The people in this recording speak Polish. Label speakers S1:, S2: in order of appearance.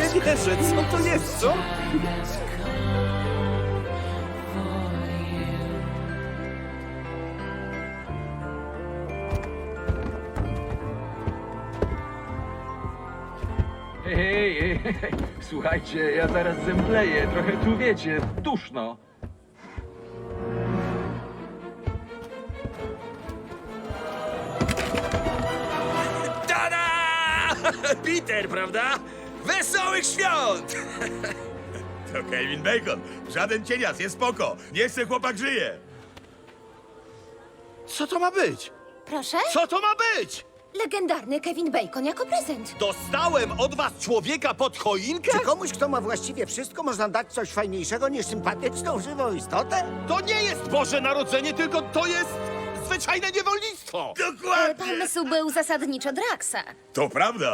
S1: nie wierzę, co to jest, co?
S2: Hej, słuchajcie, ja zaraz zemdleję, trochę tu wiecie, duszno.
S1: Tada! Peter, prawda? Wesołych świąt!
S3: To Kevin Bacon. Żaden cienias, jest spoko. Niech se chłopak żyje.
S1: Co to ma być?
S4: Proszę?
S1: Co to ma być?
S4: Legendarny Kevin Bacon jako prezent.
S1: Dostałem od was człowieka pod choinkę?
S5: Czy komuś, kto ma właściwie wszystko, można dać coś fajniejszego niż sympatyczną, żywą istotę?
S1: To nie jest Boże Narodzenie, tylko to jest zwyczajne niewolnictwo!
S3: Dokładnie.
S4: Pomysł był zasadniczo Draxa.
S3: To prawda.